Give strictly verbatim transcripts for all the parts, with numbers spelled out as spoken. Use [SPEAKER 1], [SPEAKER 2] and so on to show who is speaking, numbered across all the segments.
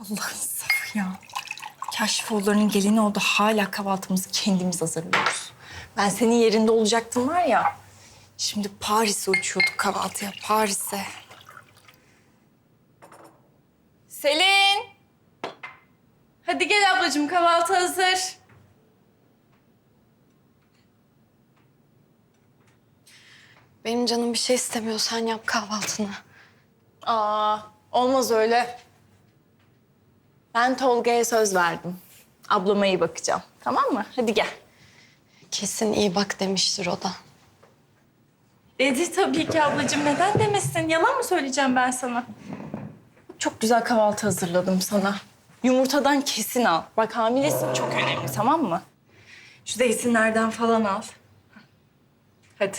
[SPEAKER 1] Allah'ın safı ya. Kaşifoğullarının gelini oldu. Hala kahvaltımızı kendimiz hazırlıyoruz. Ben senin yerinde olacaktım var ya. Şimdi Paris'e uçuyorduk kahvaltıya. Paris'e. Selin! Hadi gel ablacığım, kahvaltı hazır.
[SPEAKER 2] Benim canım bir şey istemiyor. Sen yap kahvaltını.
[SPEAKER 1] Aa, olmaz öyle. Ben Tolga'ya söz verdim. Ablama iyi bakacağım. Tamam mı? Hadi gel.
[SPEAKER 2] Kesin iyi bak demiştir o da.
[SPEAKER 1] Dedi tabii ki ablacığım. Neden demesin? Yalan mı söyleyeceğim ben sana? Çok güzel kahvaltı hazırladım sana. Yumurtadan kesin al. Bak hamilesin, çok önemli, tamam mı? Şu zeytinlerden falan al. Hadi.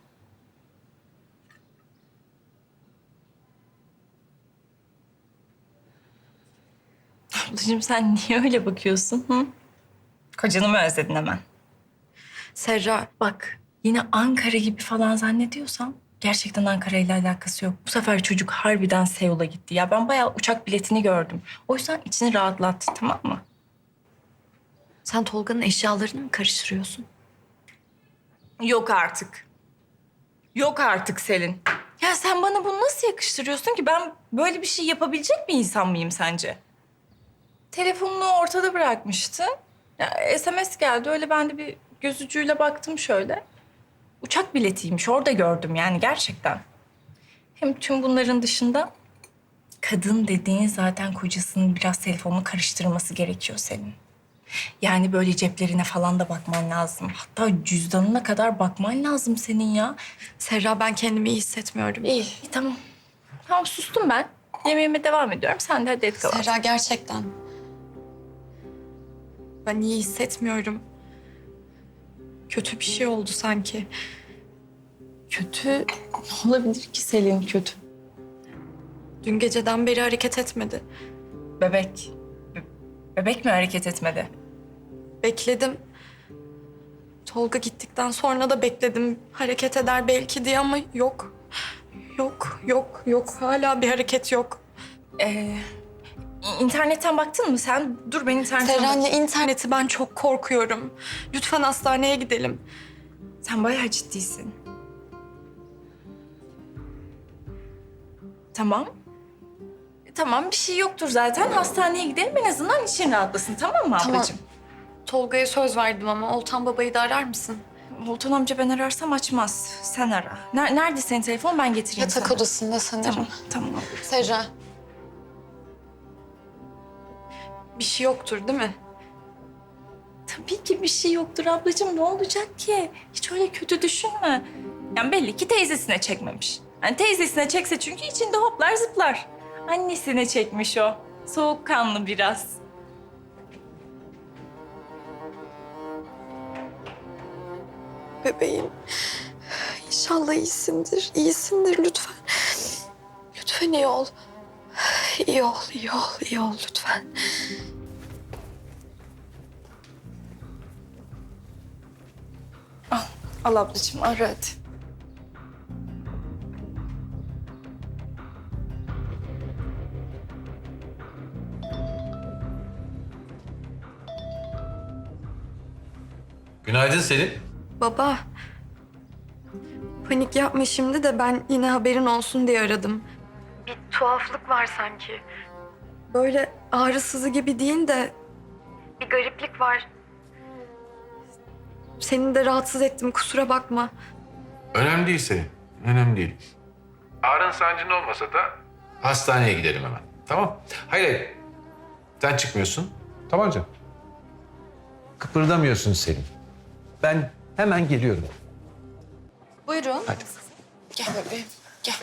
[SPEAKER 1] Ablacığım sen niye öyle bakıyorsun? Hı? Kocanı mı özledin hemen?
[SPEAKER 2] Serra,
[SPEAKER 1] Bak yine Ankara gibi falan zannediyorsam gerçekten Ankara ile alakası yok. Bu sefer çocuk harbiden Seul'a gitti. Ya ben bayağı uçak biletini gördüm. O yüzden içini rahatlattı, tamam mı?
[SPEAKER 2] sen Tolga'nın eşyalarını mı karıştırıyorsun?
[SPEAKER 1] Yok artık. Yok artık Selin. Ya sen bana bunu nasıl yakıştırıyorsun ki? Ben böyle bir şey yapabilecek bir insan mıyım sence? Telefonunu ortada bırakmıştı. Ya, S M S geldi. Öyle ben de bir göz ucuyla baktım şöyle. Uçak biletiymiş. Orada gördüm yani gerçekten. Hem tüm bunların dışında kadın dediğin zaten kocasının biraz telefonunu karıştırması gerekiyor senin. Yani böyle ceplerine falan da bakman lazım. Hatta cüzdanına kadar bakman lazım senin ya.
[SPEAKER 2] Serra, ben kendimi iyi hissetmiyorum.
[SPEAKER 1] İyi, iyi tamam. Tamam sustum ben. Yemeğime devam ediyorum. Sen de hadi et kahvaltı.
[SPEAKER 2] Serra, gerçekten. Ben iyi hissetmiyorum. Kötü bir şey oldu sanki.
[SPEAKER 1] Kötü ne olabilir ki Selin kötü?
[SPEAKER 2] Dün geceden beri hareket etmedi.
[SPEAKER 1] Bebek. Be- bebek mi hareket etmedi?
[SPEAKER 2] Bekledim. Tolga gittikten sonra da bekledim. Hareket eder belki diye ama yok. Yok, yok, yok. Hala bir hareket yok.
[SPEAKER 1] Ee, internetten baktın mı sen? Dur ben internetten
[SPEAKER 2] Serra,
[SPEAKER 1] bakayım.
[SPEAKER 2] anne, interneti ben çok korkuyorum. Lütfen hastaneye gidelim.
[SPEAKER 1] Sen bayağı ciddisin. Tamam. E, Tamam bir şey yoktur zaten. Hastaneye gidelim en azından için rahatlasın, tamam mı
[SPEAKER 2] Tamam.
[SPEAKER 1] ablacığım?
[SPEAKER 2] Tolga'ya söz verdim ama Oltan babayı da arar mısın?
[SPEAKER 1] Volkan amca ben ararsam açmaz. Sen ara. Ner- Nerede senin telefon? Ben getireyim
[SPEAKER 2] Yatak
[SPEAKER 1] sana.
[SPEAKER 2] odasında sanırım.
[SPEAKER 1] Tamam, tamam ablacığım.
[SPEAKER 2] Serra. Bir şey yoktur değil mi?
[SPEAKER 1] Tabii ki bir şey yoktur ablacığım. Ne olacak ki? Hiç öyle kötü düşünme. Yani belli ki teyzesine çekmemiş. Yani teyzesine çekse çünkü içinde hoplar zıplar. Annesine çekmiş o. Soğukkanlı biraz.
[SPEAKER 2] Bebeğim. İnşallah iyisindir. İyisindir lütfen. Lütfen iyi ol. İyi ol, iyi ol, iyi ol lütfen.
[SPEAKER 1] Al, al ablacığım ara hadi.
[SPEAKER 3] Günaydın Selin.
[SPEAKER 2] Baba. Panik yapma şimdi de ben yine haberin olsun diye aradım. Bir tuhaflık var sanki. Böyle ağrısızı gibi değil de bir gariplik var. Seni de rahatsız ettim, kusura bakma.
[SPEAKER 3] Önemli değil Selin. Önemli değil. Ağrın sancın olmasa da hastaneye gidelim hemen. Tamam. Hayır hayır. Sen çıkmıyorsun. Tamam canım. Kıpırdamıyorsun Selin. Ben hemen geliyorum.
[SPEAKER 2] Buyurun.
[SPEAKER 3] Hadi.
[SPEAKER 1] Gel bebeğim, gel.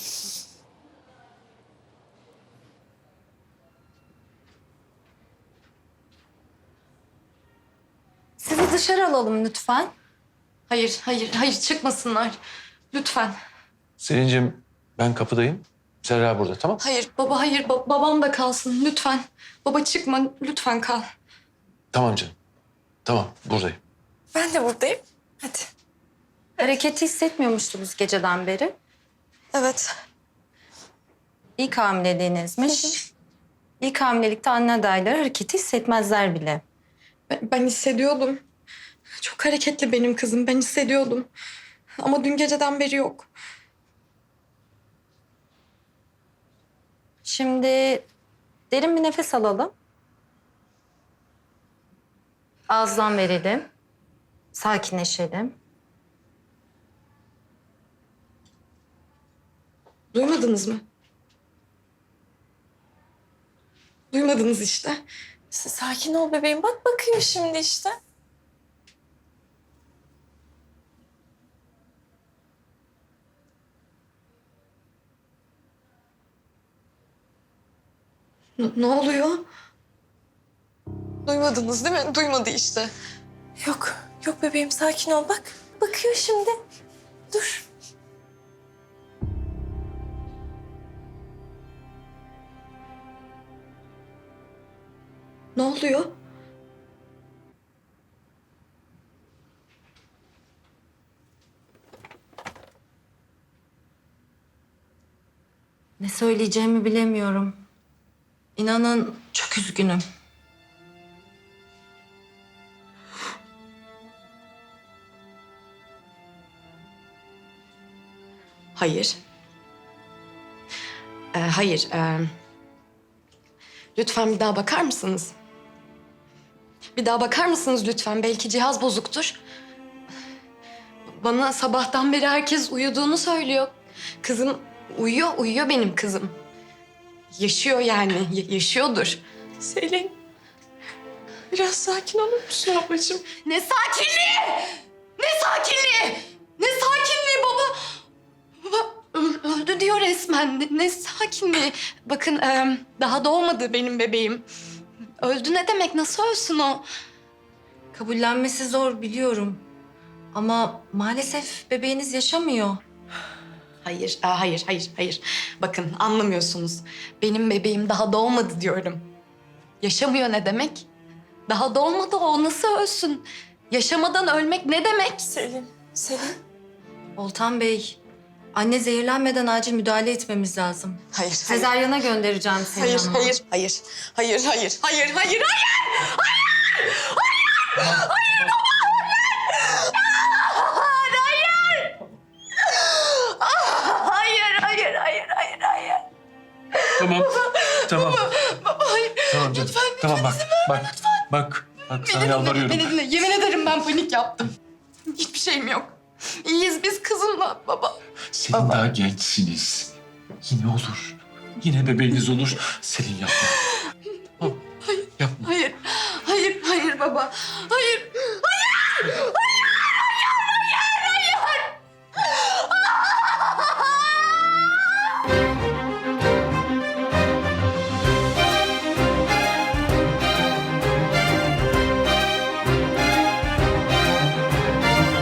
[SPEAKER 2] Sizi dışarı alalım lütfen. Hayır, hayır, hayır çıkmasınlar. Lütfen.
[SPEAKER 3] Selin'cim ben kapıdayım. Serra burada tamam.
[SPEAKER 2] Hayır baba, hayır. Ba- babam da kalsın lütfen. Baba çıkma, lütfen kal.
[SPEAKER 3] Tamam canım. Tamam buradayım.
[SPEAKER 1] Ben de buradayım. Hadi.
[SPEAKER 4] Hareketi hissetmiyormuştunuz geceden beri.
[SPEAKER 2] Evet.
[SPEAKER 4] İlk hamileliğinizmiş. İlk hamilelikte anne adayları hareketi hissetmezler bile.
[SPEAKER 2] Ben, ben hissediyordum. Çok hareketli benim kızım. Ben hissediyordum. Ama dün geceden beri yok.
[SPEAKER 4] Şimdi derin bir nefes alalım. Ağızdan verelim. Sakinleşelim.
[SPEAKER 2] Duymadınız mı? Duymadınız işte.
[SPEAKER 1] Sakin ol bebeğim. Bak bakıyor şimdi işte.
[SPEAKER 2] N- ne oluyor? Duymadınız değil mi? Duymadı işte.
[SPEAKER 1] Yok, yok bebeğim sakin ol bak. Bakıyor şimdi. Dur.
[SPEAKER 2] Ne oluyor?
[SPEAKER 4] Ne söyleyeceğimi bilemiyorum. İnanın çok üzgünüm.
[SPEAKER 2] Hayır. Ee, hayır. ee, Lütfen bir daha bakar mısınız? Bir daha bakar mısınız lütfen? Belki cihaz bozuktur. Bana sabahtan beri herkes uyuduğunu söylüyor. Kızım uyuyor, uyuyor benim kızım. Yaşıyor yani, ya- yaşıyordur.
[SPEAKER 1] Selin. Biraz sakin olur musun ablacığım?
[SPEAKER 2] Ne sakinliği! Ne sakinliği! Ne sakinliği baba! Baba ö- öldü diyor resmen. Ne, ne sakinliği? Bakın e, daha doğmadı benim bebeğim. Öldü ne demek? Nasıl ölsün o?
[SPEAKER 4] Kabullenmesi zor biliyorum. Ama maalesef bebeğiniz yaşamıyor.
[SPEAKER 2] Hayır, e, hayır, hayır, hayır. Bakın anlamıyorsunuz. Benim bebeğim daha doğmadı diyorum. Yaşamıyor ne demek? Daha doğmadı o. Nasıl ölsün? Yaşamadan ölmek ne demek?
[SPEAKER 1] Selin, Selin.
[SPEAKER 4] Oltan Bey, anne zehirlenmeden acil müdahale etmemiz lazım.
[SPEAKER 2] Hayır,
[SPEAKER 4] Sezaryana göndereceğim seni
[SPEAKER 2] Hayır,
[SPEAKER 4] hanıma.
[SPEAKER 2] hayır, hayır, hayır, hayır, hayır, hayır, hayır! Hayır, hayır, hayır, hayır, hayır.
[SPEAKER 3] Tamam. Tamam.
[SPEAKER 2] Baba, hayır.
[SPEAKER 3] Tamam canım.
[SPEAKER 2] Lütfen,
[SPEAKER 3] Tamam bak. Bak. Bak. Bak sana
[SPEAKER 2] Beni dinle,
[SPEAKER 3] yalvarıyorum.
[SPEAKER 2] beni dinle. Yemin ederim ben panik yaptım. Hiçbir şeyim yok. İyiyiz biz kızımla baba.
[SPEAKER 3] Selin
[SPEAKER 2] Baba.
[SPEAKER 3] daha gençsiniz. Yine olur. Yine bebeğiniz olur. Selin yapma. Tamam. Yapma.
[SPEAKER 2] Hayır, hayır, hayır baba. Hayır.